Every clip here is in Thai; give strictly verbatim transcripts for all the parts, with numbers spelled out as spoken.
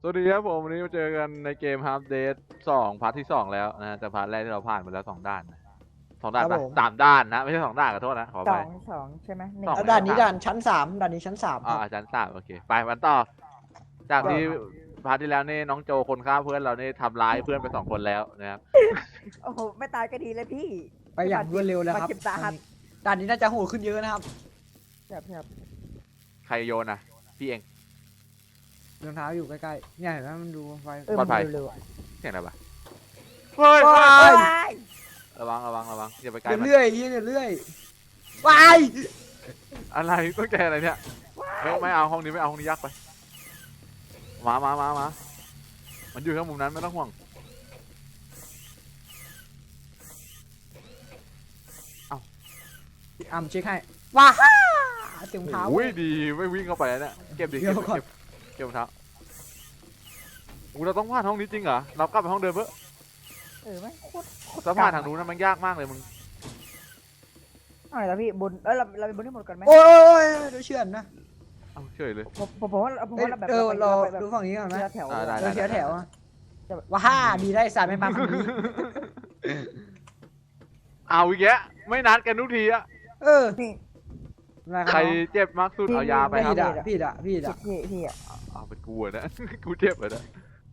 สวัสดีครับผมวันนี้มาเจอกันในเกม Half Date สองพาร์ทที่สองแล้วนะแต่พาร์ทแรกที่เราผ่านไปแล้วสองด่านนะสองด่านครัปะบผมสามด่านนะไม่ใช่สองด่านขอโทษนะขอสไปองสองใช่ไหมหนึ่งสองแล้วด่านนี้ด่านชั้นสามด่านนี้ชั้นสามคอ่ารับอาจารย์ทราบโอเคไปมันต่อ จากที่พาร์ทที่แล้วนี่น้องโจคนฆ่าเพื่อนเรานี่ทำร้ายเพื่อนไปสองคนแล้วนะครับโอ้โหไม่ตายก็ดีเลยพี่ไปอย่างรวดเร็วแล้วครับบาดเจ็บสาหัสด่านนี้น่าจะโหดขึ้นเยอะนะครับแบบแบบใครโยนอ่ะพี่เองรองเท้าอยู่ใกล้ๆเนี่ยเห็นไหมมันดูไฟเออปลอดภัยมันเร็วๆอะเสียงอะไรปะเฮ้ยว้าเฮ้ยยระวังระวังระวังอย่าไปใกล้เดี๋ยวมันเรื่อยยี่เดี๋ยวเรื่อยว้ายอะไรต้องใจอะไรเนี่ยไม่ไม่เอาห้องนี้ไม่เอาห้องนี้ยักไปมามามามามันอยู่ข้างมุมนั้นไม่ต้องห่วงอ่ำเช็คให้ว้าฮ่าเสียงเท้าโอ้ยดีไม่วิ่งเข้าไปแล้วเนี่ยเก็บดิเดี๋เก็ยบวก่อนเก็บเก็บรองเท้าอูเราต้องผ่านห้องนี้จริงเหรอเรากลับไปห้องเดิมเพื่อเออไม่โคตรโคตรถ้าผ่านทางนู้นนะมันยากมากเลยมึงอะไรนะพี่บนเออเราเราไปบนที่หมดกันไหมโอ้ยเดี๋ยวเชื่อนนะเอาเฉยเลยผมผมผมว่าผมเอ้ยว่าเราแบบเออเราไปแบบดูฝั่งนี้ก่อนไหมทีละแถวอ่าได้เราเชียร์แถวอะว้าฮ่าดีได้สารไม่มาฝั่งนี้เอาอีกแกไม่นัดกันทุกทีอะเออพี่ใครเจ็บมากสุดเอายาไปครับพี่ด่ะพี่ด่ะพี่ด่ะพี่พี่อ่ะเอาเป็นกูอะนะ กูเจ็บเลยนะ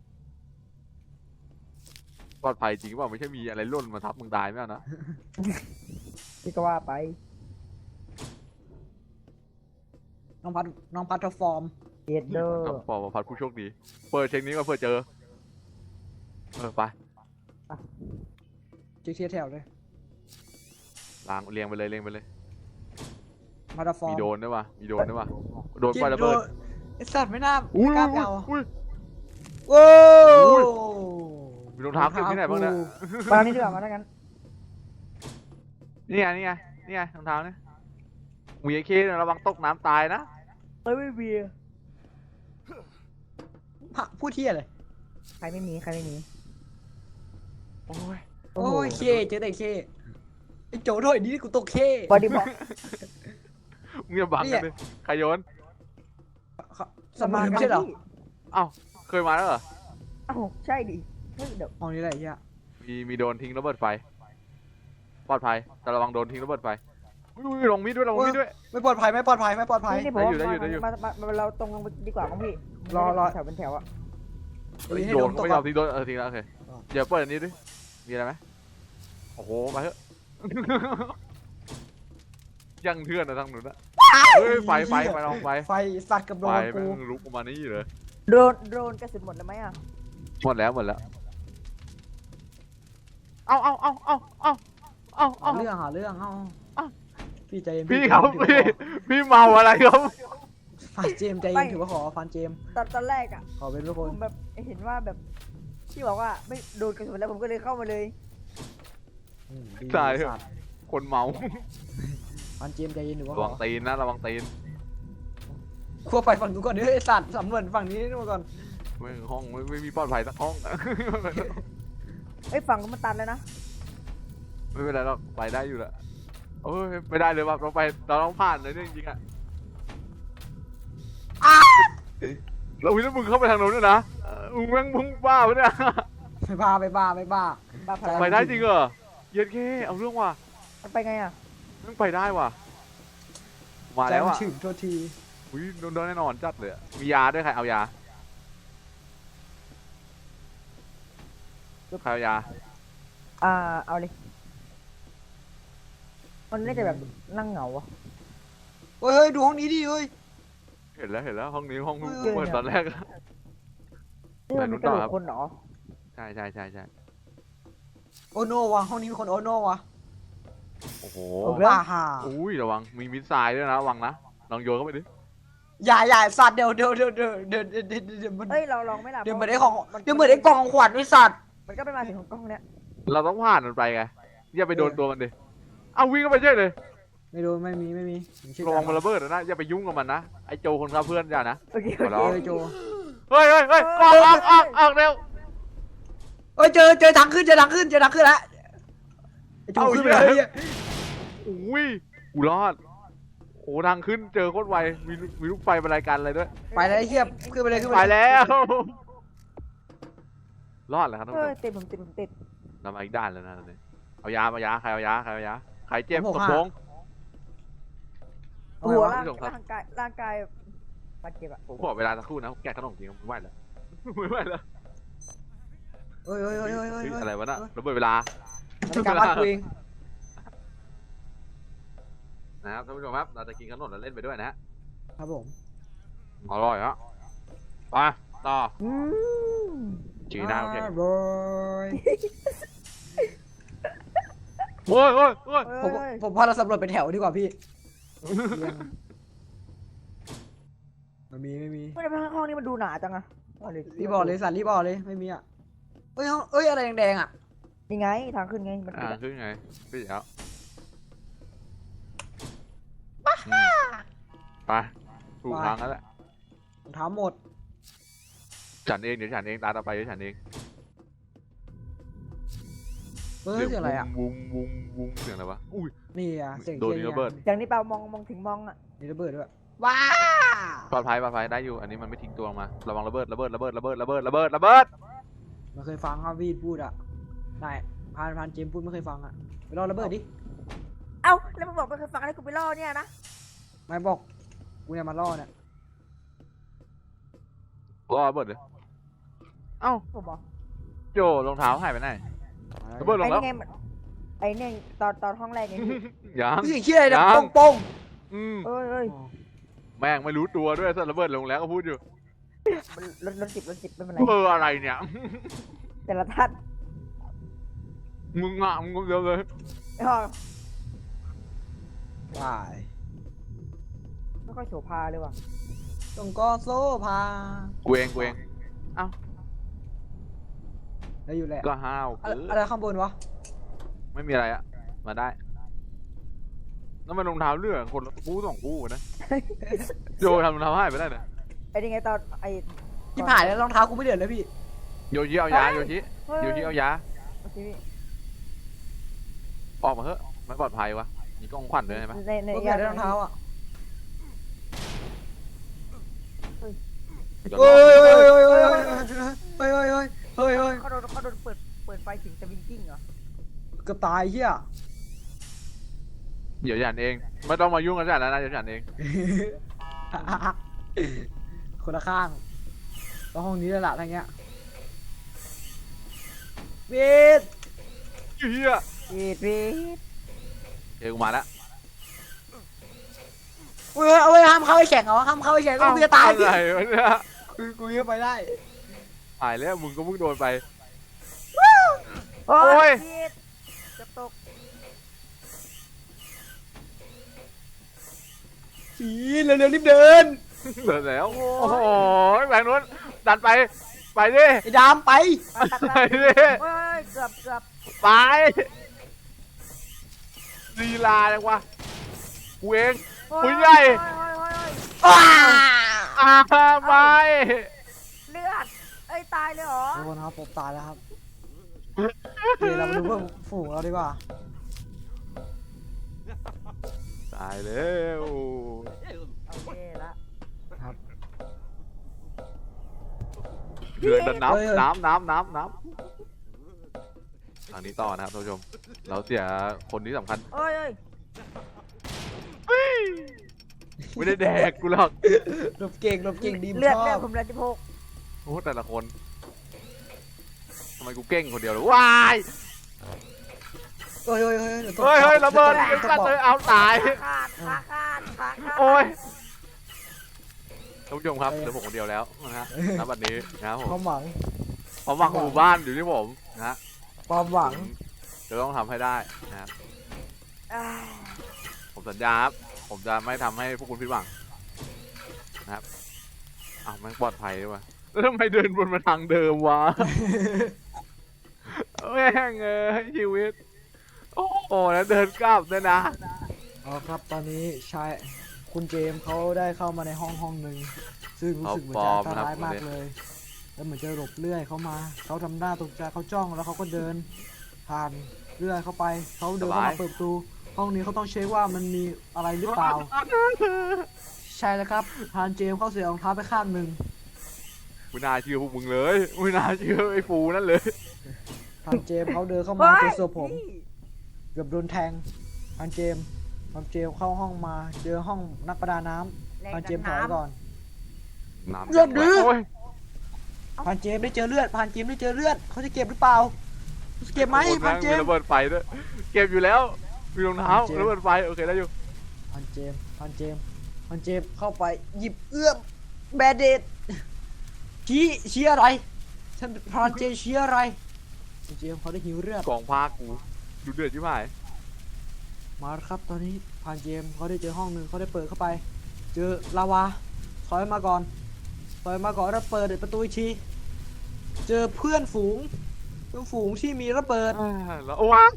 ปลอดภัยจริงเปล่าไม่ใช่มีอะไรหล่นมาทับมึงตายไม่เอานะพี่ก็ว่าไปน้องพัดน้องพัดทฟอร์มเอ็ดเดอร์กับปอพัดผู้โชคดีเปิดเช็คนี้ก็เพื่อเจอเออไปเชียร์แถวเลยล้างเรียงไปเลยเรียงไปเลยพัดทฟอร์มีมโดนด้วยวะมีโดนด้วยวะโดนไฟระเบิดไอสัตว์ไม่น่าอุ้ยไม่กล้าไปเอาอุ้ยโว้อุ้ยวมีรองเท้าเก็บที่ไหนบ้างเนี่ยมาทางนี้ดีกว่ามาทางนั้นนี่ไงนี่ไงนี่ไงรองเท้าเนี่ยมีไอ้เคเนี่ยระวังตกน้ำตายนะเอ้ยไม่มีพระผู้เที่ยเลยใครไม่มีใครไม่มีโอ้ยโอ้โอ้โหยเคเจอแต่เคไอโจ้ถอยนี้กูตกเคบอดี้บ็อกมึงอย่าบังกันดิใครโยนสมานไม่ใช่เหรอเอ้าเคยมาแล้วเหรอเอ้าใช่ดิเฮ้ยเดี๋ยวห้องนี้แหละไอ้เฮียมีมีโดนทิ้งระเบิดไฟปลอดภัยแต่ระวังโดนทิ้งระเบิดไฟอุ้ยลงมีดด้วยลงมีดด้วยไม่ปลอดภัยไม่ปลอดภัยไม่ปลอดภัยนี่นี่ผมได้อยู่ได้อยู่ได้อยู่มามามาเราตรงลงไปดีกว่าของพี่รอรอแถวเป็นแถวอะเฮ้ยให้โดโดนนก็ตกไม่ก่ยออน มทิ้งโดนเออทิ้งแล้วโอเคอ๋อเดี๋ยวเปิดอันนี้ดิมีอะไรไหมโอ้โหมาเถอะ ยังเทือนนะทางนู้นนะเฮ้ยไฟไฟไฟลองไฟไฟสัตว์กับโดไฟนแม่กูงลุกออกมานี่เลยโดรนโดรนกระสุนหมดเลยไหมอะหมดแล้วหมดแล้วเอาเอาเอาเอาเอาเอาหาเอาเรื่องหาเรื่องเอ้าเอ้าพี่ใจเย็นพี่ครับถือว่าพี่ขอพี่เมาอะไรครับฟันเจมส์ใจเย็นถือว่าขอฟันเจมส์ตอนตอนแรกอะขอเป็นทุกคผนมแบบเห็นว่าแบบที่บอกว่าไม่โดนกระสุนแล้วผมก็เลยเข้ามาเลยอืมดีใช่เหรอสัตว์คนเมาฟันเจมส์ใจเย็นถือว่าระขวัองตีนนะระวังตีนขั้วไปฝั่งนู้นก่อนเด้อไอสัตว์สำรวจฝั่งนี้ดูก่อนไม่ห้องไม่ไม่มีปลอดภัยสักห้องเอ้ยฝั่งก็มันตันแล้วนะไม่เป็นไรเราไปได้อยู่แหละโอ้ยไม่ได้เลยว่ะเราไปเราต้องผ่านเลยเนี่ยจริงๆอะเราวิ่งแล้วมึงเข้าไปทางโน้นด้วยนะเออมึงแม่งมึงบ้าปะเนี่ยไปบ้าไปบ้าไปบ้าบ้าพลังไปได้จริงเหรอเย็นแค่เอาเรื่องว่ะมันไปไงอะแม่งไปได้ว่ะมาใจแล้วมันอ่ะถึงโทษทีอุ้ยโดนโดนแน่นอนจัดเลยอะมียาด้วยใครเอายาใครเอายาอ่าเอาเลยมันน่าจะแบบนั่งเหงาอะเฮ้ยเฮ้ยดูห้องนี้ดิเฮ้ยเห็นแล้วเห็นแล้วห้องนี้ห้องเออเปิดตอนแรกอะนี่มันมีกระโหลกคนเหรอใช่ใช่ใช่ใช่โอโนวะห้องนี้มีคนโอโนวะโอ้โหว้าฮ่าอุ้ยระวังมีมิสไซล์ด้วยนะระวังนะลองโยนเข้าไปดิอย่าอย่าสัตว์เดี๋ยวเดี๋ยวเดี๋ยวเดี๋ยวเดี๋ยวเดี๋ยวเดี๋ยวเดี๋ยวมันเอ้ยเราลองไหม่ล่ะเดี๋ยวเหมือนไอ้ของเดี๋ยวเหมือนไอ้กล่องของขวัญไอ้สัตว์มันก็เป็นมาถึงของกล้องเนี้ยเราต้องผ่านมันไปไงอย่าไปโดนตัวมันดิเอาวิ่งเข้าไปเฉยเลยไม่รู้ไม่มีไม่มีผมเชื่อระวังมันระเบิดนะอย่าไปยุ่งกับมันนะไอ้โจคนฆ่าเพื่อนอย่านะโอเคขอโอร้เคองเออโจเฮ้ยเฮ้ยเฮ้ยออกออกออกออกเร็วเอ้ยเจอเจอทางขึ้นเจอทางขึ้นเจอทางขึ้นแล้วไอ้โจขึ้นไปแล้วเนี่ยอุ้ยกูรอดโอ้ทางขึ้นเจอโคตรไวมีมีลูกไฟบรรยายการอะไรด้วยไปแล้วไอ้เหี้ยขึ้นไปเลยขึ้นไปไปเลยแล้วรอดแล้วครับท่านเอผู้ชอมติดผมติดผมติดเรามาอีกด้านแล้วนะตอนนี้เอายาเอายาใครเอายาใครเอายาใครเจ็บผมกดหกโปห้างเอาไงหัววะร่างผู้ชมครับร่างกายร่างกายบาดเจ็บอะผมขอเวลาสักครู่นะผมแกะขนมจริงผมไม่ไหวแล้วไม่ไหวแล้วเฮ้ยเฮ้ยเฮ้ยเฮ้ยเฮ้ยเฮ้ยเฮ้ยอะไรวะน่ะระเบิดเวลามันเป็นการบ้านกูเองนะครับท่านผู้ชมครับเราจะกินขนมแล้วเล่นไปด้วยนะฮะครับผมอร่อยฮะไปต่ออืมจีน่าโอเคอร่อยโอ้ยโอ้ยโอ้ยผมผมพาเราสำรวจเป็นแถวดีกว่าพี่เรียงไม่มีไม่มีไม่ได้ห้องนี้มันดูหนาจังอะเอาเลยรีบบอกเลยสันรีบบอกเลยไม่มีอ่ะเอ้ยห้องเอ้ยอะไรแดงๆอ่ะนี่ไงทางขึ้นไงมันอ่าขึ้นไงขึ้นแล้วอืมไปถูกทางแล้วแหละรองเท้าหมดฉันเองเดี๋ยวฉันเองตาต่อไปเดี๋ยวฉันเองเฮ้ยเสียงอะไรอ่ะวุ้งวุ้งวุ้งเสียงอะไรวะอุ้ยนี่อ่ะเสียงโดนเคียระเบิดอย่างนี้เปล่ามองมองถึงมองอะนี่ระเบิดด้วยว้าปลอดภัยปลอดภัยได้อยู่อันนี้มันไม่ทิ้งตัวลงมาระวังระเบิดระเบิดระเบิดระเบิดระเบิดระเบิดระเบิดไม่เคยฟังครับวีดพูดอ่ะนายพานพานเจมส์พูดไม่เคยฟังอ่ะไปรอระเบิดดิเอ้าแล้วมึงบอกไม่เคยฟังอะไรกูไปล่อเนี่ยนะไม่บอกกูเนี่ยมาล่อเนี่ยรอระเบิดเลยเอ้าผมบอกโจรองเท้าหายไปไหนระเบิดลไอ้งแล้วนี่ไงมันไอ้เนี่ยตอนตอนห้องแรกไงพี่ยังเสียงเคียอะไรนะยังโป้งโป้งอืมเอ้ยเอ้ยแม่งไม่รู้ตัวด้วยสัตว์ระเบิดลงแล้วก็พูดอยู่มันรถรถสิบรถสิบไม่เป็นไรเบอร์อะไรเนี่ยแต่ละท่านมึงอ่ะมึงเดียวเลยอ๋อวายไม่ค่อยโสภาเลยว่ะตรงก็โซ่พากูเองกูเองได้อยู่แหละก็ห้าวอะไรเกินอะไรข้างบนวะไม่มีอะไรอะมาได้แล้วมันรองเท้าเลือกคนละคู่สองคู่นะโจทำรองเท้าหายไปได้เนี่ยไอ้นี่ไงตอนไอ้ที่ผ่านแล้วรองเท้ากูไม่เดือดเลยพี่โยชิเอายาโยชิเฮ้ยโยชิเอายาโอเคพี่ออกมาเถอะไม่ปลอดภัยวะมีกล้องควันด้วยใช่ไหมในในกูอยากได้รองเท้าอ่ะเดี๋ยวเฮ้รยอเฮ้ยเฮ้ยเฮ้ยเฮ้ยเฮ้ยเฮ้ยเฮ้ยเฮ้ยเขาโดนเขาโดนเปิดเปิดไฟถึงจะวิงกิ้งเหรอเกือบตายเฮียเดี๋ยวฉันเองไม่ต้องมายุ่งกับฉันแล้วนะเดี๋ยวฉันเองคนละข้างแล้วห้องนี้เลยล่ะทั้งเงี้ยเวทเฮียพีดพีดเอ้ยกูมาแล้วเว้ยเอาไว้ห้ามเข้าไปแข่งเหรอห้ามเข้าไปแข่งก็กูจะตายอะไรวะเนี่ยกูกูยังไปได้ตายแล้วมึงก็มึงโดนไปโอ้โอ้ยยพีดจะตกสีเร็วๆรีบเดินเหลือแล้วโอ้โหแบงค์นู้นดันไปไปดิไอ้ดามไปตัดตัดไปตัดดิโอ้ยเกือบเกือบไปลีลาจังวะกูเองโอ้ยผู้ใหญ่โอ้ยโอ้ยโอ้ยอ้าอ่าไปเลือดเอ้ยตายเลยเหรอทุกคนครับผมตายแล้วครับเดี๋ยวเรามาดูเพื่อนฝูงเราดีกว่าตายแล้วโอเคละเดือดน้ำน้ำน้ำน้ำน้ำทางนี้ต่อนะครับท่านผู้ชม เราเสียคนที่สำคัญโอ้ยโอ้ยไม่ได้แดกกูหรอกหลบเก่งหลบเก่งดีมเลือดชเลืออดบผมเลือดสิบหกโอ้แต่ละคนทำไมกูเก่งคนเดียวเลยว้ายเฮ้ยเฮ้ยเฮ้ยดี๋วตกเฮ้ยเฮ้ยระเบิดตไอ้กสัตว์เลยเอาตายขาดขาขาดขาขาดโอ้ยท่านผู้ชมครับเหลือผมคนเดียวแล้วนะฮะณบัดนี้นะครับผความ มหวังความหวังของหมู่บ้านอยู่ที่ผมนะฮะความหวังจะต้องทำให้ได้นะครับอ่าผมสัญญาครับผมจะไม่ทำให้พวกคุณผิดหวังนะครับอ้าวมันปลอดภัยด้วยวะแล้วทำไมเดินบนมาทางเดิมวะ แม่งเอ้ยชีวิต โอ้โหแล้วเดินกลับด้วยนะเอาครับตอนนี้ชายคุณเจมส์เขาได้เข้ามาในห้องห้องหนึ่งซึ่งรู้สึกเหมือนจะอันตรายมากเลย แล้วเหมือนจะหลบเลื่อยเข้ามาเขาทำหน้าตกใจเขาจ้องแล้วเขาก็เดินผ่านเลื่อยเข้าไปเขาเดินเข้ามาเปิดประตูห้องนี้เขาต้องเช็คว่ามันมีอะไรหรือเปล่า ใช่แล้วครับพานเจมส์เขาเสียรองเท้าไปข้างหนึ่งไม่น่าเชื่อพวกมึงเลยไม่น่าเชื่อไอ้ฟูนั่นเลยพันเจมส์เขาเดินเข้ามาเจอศพผมเกือบโดนแทงพันเจมส์พันเจมส์เข้าห้องมาเจอห้องนักประดาน้ำพันเจมส์ถอยก่อนน้ำเลือดดื้อโอ้ยพันเจมส์ได้เจอเลือดพันเจมส์ได้เจอเลือดเขาจะเก็บหรือเปล่าเก็บไหมโอ้ยพันเจมีมส์ระเบิดไฟด้วยเก็บอยู่แล้วมีรองเท้าพันเจมส์ระเบิดไฟโอเคได้อยู่พันเจมส์พันเจมส์พันเจมส์เข้าไปหยิบเอื้อมแบดเดดชี้ชี้อะไรฉันพันเจมส์ชี้อะไรพันเจมส์เขาได้หิวเลือดกองพากูดูเดือดชิบหายมาแล้วครับตอนนี้พันเจมส์เขาได้เจอห้องหนึ่งเขาได้เปิดเข้าไป เจอลาวาถอยมาก่อนถอยมาก่อนแล้วเปิดประตูอีกทีเจอเพื่อนฝูงเพื่อนฝูงที่มีระเบิดอ่าแล้วโอ้ว้าง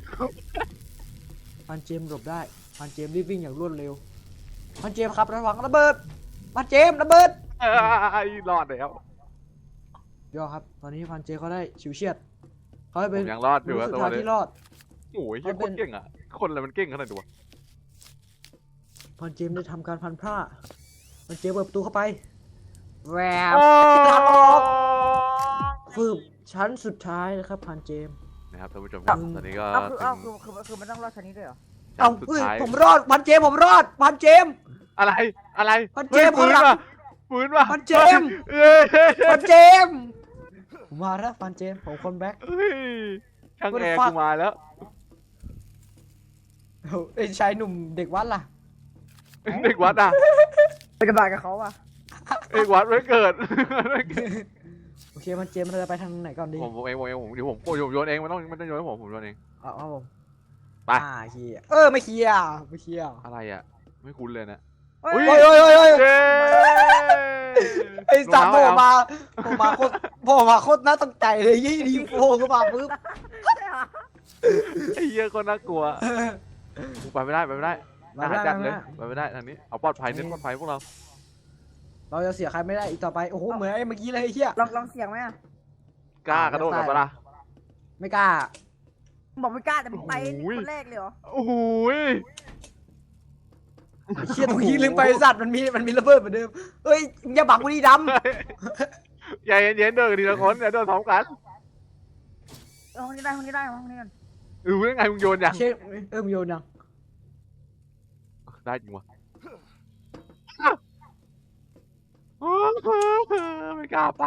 พันเจมส์หลบได้พันเจมส์รีบวิ่งอย่างรวดเร็วพันเจมส์ครับระวังระเบิดพันเจมส์ระเบิดไอ้รอดแล้วยอดครับตอนนี้พันเจมส์เขาได้ฉิวเฉียดเขาได้ผเป็นมยังรอดอยู่รู้อะสุดตัวท้ายนี้ที่รอดโอ้ยเขาโคเป็นตรเก่งอ่ะคนอะไรมันเก่งขนาดนี้วะพันเจมส์ได้ทำการพันผ้าพันเจมส์เปิดประตูเข้าไปแหววโอ้ทางออก ฟืบชั้นสุดท้ายนะครับพันเจมส์นะครับท่านผู้ชมครับตอนนี้ก็เอาคือถึเอางคือคือคือมันต้องรอดชนิดด้วยเหรอเอาสุดเฮ้ยท้ายผมรอดพันเจมส์ผมรอดพันเจมส์อะไรอะไรพันเจมส์ฮ้ยปืนข้างหลัว่ะงปืนว่ะพันเจมส์เอ้ยพันเจมส์ผมมาแล้วพันเจมส์ผมคนแบ็คเฮ้ยช่าง What แอ the ร์ fuck? กูมาแล้วไอ้ชายหนุ่มเด็กวัดล่ะเด็กวัดอ่ะไปกระบาดกับเขาอ่ะเด็กวัดไม่เกิดโอเคพันเจมส์เราจะไปทางไหนก่อนดีผมผมเองผมเองผมเดี๋ยวผมโยนโยนเองมันต้องมันต้องโยนให้ผมผมโยนเองเอาเอาผมไปอ่าเคลียร์เออไม่เคลียร์ไม่เคลียร์อะไรอ่ะไม่คุ้นเลยนะเฮ้อุ๊ยยโอ้ยโอ้ยโอ้ยโอ้ยเย้ไอ้สัตว์โผล่รองเท้มาโผล่มาโคตรโผล่มาโคตรน่าตกใจเลยยี่ดีโผล่เข้ามาปุ๊บไอ้เหี้ยคนน่ากลัวกูไปไม่ได้ไปไม่ได้มาหาได้จัดมาเลยได้ไปไม่ได้ทางนี้เอาปลอดภัยเน้นปลอดภัยพวกเราเราจะเสียใครไม่ได้อีกต่อไปโอ้โหเหมือนไอ้เมื่อกี้เลยไอ้เหี้ยลองลองเสียงไหมอ่ะกล้ากระโดดกับปะล่ะไม่กล้าบอกไม่กล้าแต่มึงไปโอ้ยคนแรกเลยเหรอโอ้โหยไอ้เชี่ยตรงนี้ลืมไปไอ้สัตว์มันมีมันมีระเบิดเหมือนเดิมเฮ้ยมึงอย่าบังกูดิดอย่าเย็นๆเดินกันทีละคนอย่าเดินพร้อมกันเอาห้องนี้ได้ห้องนี้ได้ห้องนี้กันรู้ได้ไงมึงโยนยังำเชี่ยเออมึงโยนยังได้จริงวะไม่กล้าไป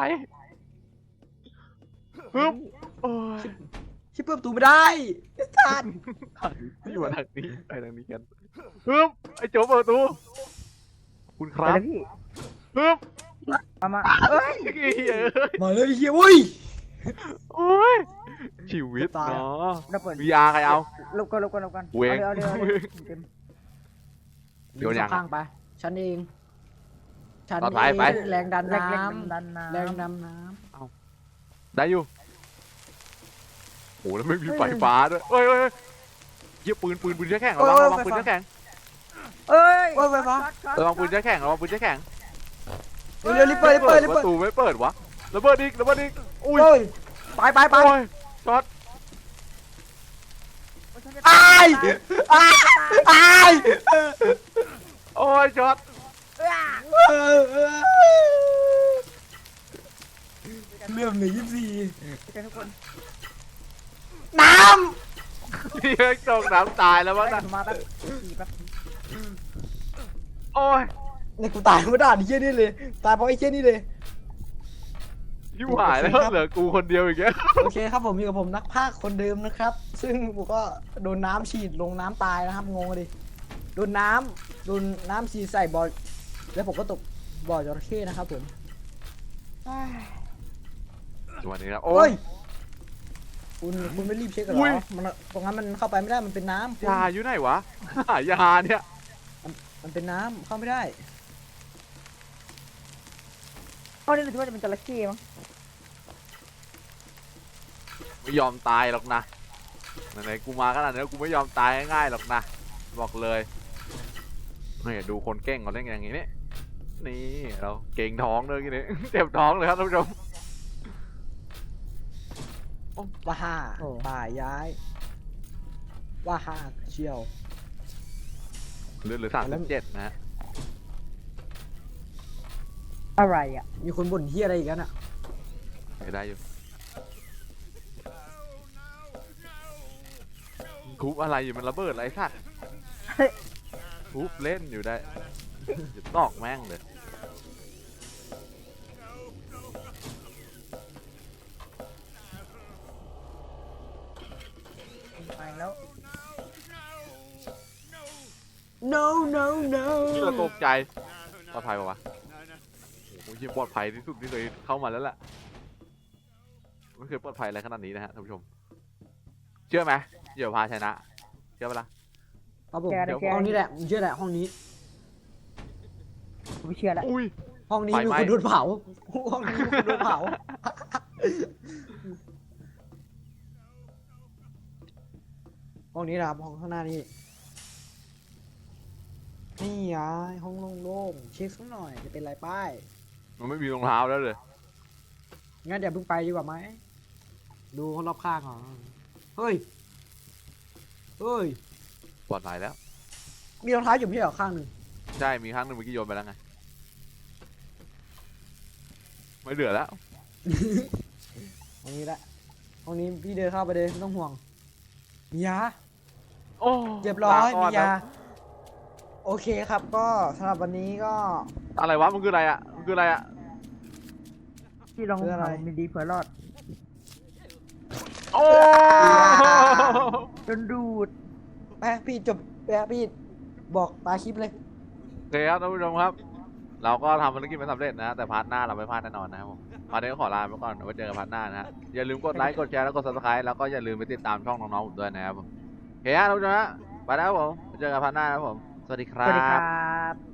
ฮึบโอ้ยชิบเปิดประตูไม่ได้ไอ้สัตว์พี่มาทางนี้ไปทางนี้กันฮึบไอ้โจ๊กเปิดประตูขอบคุณคไปรับเลยพี่ฮึบมามาเอ้ยไอ้เหี้ยเอ้ยมาเลยไอ้เฮียอุ้ยโอ้ยชีวิตตายเนาะเราเปิดวีอาร์ใครเอาลบกันลบกันลบกันกูเองเอาเดี๋ยวเอาเดี๋ยวเต็มโยนข้างไปฉันเองฉันต่อเอท้ายไปงแรงดันแรน้งแรงดันน้ำแรงดันน้ได้อยู่โหแล้วไม่มีไฟฟ้าด้วยเอ้ยเอ้ยเอ้ยเยี่ยปืนปืนปืนใช้แข่งระวังระวังปืนใช้แข่งำเอ้ยำโอ้ยไฟฟ้าช็อตช็อตระวังปืนใช้แข่งระวังปืนใช้แข่งเร็วๆรีบเปิดรีบเปิดรีบปเปิดระตูไม่เปิดวะระเบิดอีกระเบิดอีกอุ้ยโอ้ยไปไปไปโอ้ยช็อตฉันจะตายตายตายโอ้ยช็อตเอ้ยเออเออเรื่องหนึ่งยี่สิบสี่เจอกันทุกคนน้พี่เอ็กซ์ตกน้ำตายแล้วไปมั้งกันะนมาแป๊บขี่แป๊บโอ้ยำในกูตายไม่ได้ไอ้เชี่ยนี่เลยตายเพราะไอ้เชี่ยนี่เลยยิ่หายแล้วเหลือกูคนเดียวอีกแล้วโอเคครับผมอยู่กับผมนักพากย์คนเดิมนะครับ ซึ่งผมก็โดนน้ำฉีดลงน้ำตายนะครับงงเลยโดนน้ำโดนน้ำฉีดใส่บ่อแล้วผมก็ตกบ่อจระเข้นะครับผมสวัสดีครับโอ้โอ้ยยคุณคุณไม่รีบเช็คกันเหรอุ้อย มันตรงนั้นมันเข้าไปไม่ได้มันเป็นน้ำคุณยาอยู่ไหนวะหายาเนี่ยมันเป็นน้ำเข้าไม่ได้ห้องนี้รู้สึกว่าจะเป็นจระเข้มั้งไม่ยอมตายหรอกนะไหนๆกูมาขนาดนี้กูไม่ยอมตายง่ายๆหรอกนะบอกเลยนี่ดูคนเก่งเขาเล่นกันอย่างนี้นี่นี่เราเก่งท้องเลยทีนี้ เจ็บท้องเลยครับท่านผู้ชมว่าห้าป่าย้าย ว่าห้าเชียวเหลือเหลือสามสิบเจ็ดนะฮะอะไรอ่ะมีคนบ่นเฮียอะไรอีกแล้วน่ะไม่ได้อยู่ทุบอะไรอยู่มันระเบิดอะไรสัตว์ทุบเล่นอยู่ได้จะตอกแม่งเลยไปแล้ว no no no นี่เราตกใจปลอดภัยปะวะโอ้โหปลอดภัยที่สุดที่เคยเข้ามาแล้วแหละไม่เคยปลอดภัยอะไรขนาดนี้นะฮะท่านผู้ชมเชื่อไหมเดี๋ยวพาชนะเชื่อปะล่ะครับผมแกนะแกห้องนี้แหละผมเชื่อแหละห้องนี้ผมไม่เชื่อแล้วอุ้ยห้องนี้ไฟมีไหม้คนโดนเผาห้องนี้มีคนโดนเผาห้องนี้นะครับห้องข้างหน้านี่นี่ไงห้องโล่งๆเช็คสักหน่อยจะเป็นไรป้ายมันไม่มีรองเท้าแล้วเลยงั้นเดี๋ยวเพิ่งไปดีกว่าไหมดูคนรอบข้างก่อนเฮ้ยเฮ้ยปลอดภัยแล้วมีรองเท้าอยู่ไม่ใช่เหรอข้างหนึ่งใช่มีครั้งหนึ่งเมื่อกี้โยนไปแล้วไงไม่เหลือแล้วห้องนี้แหละห้องนี้พี่เดินเข้าไปเลยไม่ต้องห่วงมียาโอ้เรียบร้อยลก่มีนยานะโอเคครับก็สำหรับวันนี้ก็อะไรวะมันคืออะไรอ่ะมันคืออะไรอ่ะที่ลองคืออะไรทำมีดีเผื่อรอดโอ้จนดูดไปพี่จบไปพี่บอกปลาคลิปเลยโอเคครับท่านผู้ชมครับ เราก็ทำภารกิจไม่สำเร็จนะ แต่พาร์ทหน้าเราไม่พลาดแน่นอนนะครับผมพาร์ทนี้ก็ขอลาไปก่อนไว้เจอกันพาร์ทหน้านะฮะอย่าลืมกดไลค์กดแชร์แล้วกด ซับสไครบ์ แล้วก็อย่าลืมไปติดตามช่องน้องๆผมด้วยนะครับผมโอเคครับท่านผู้ชมฮะไปแล้วครับผมไว้เจอกันพาร์ทหน้านะครับผมสวัสดีคสรัวัสดีคบรับ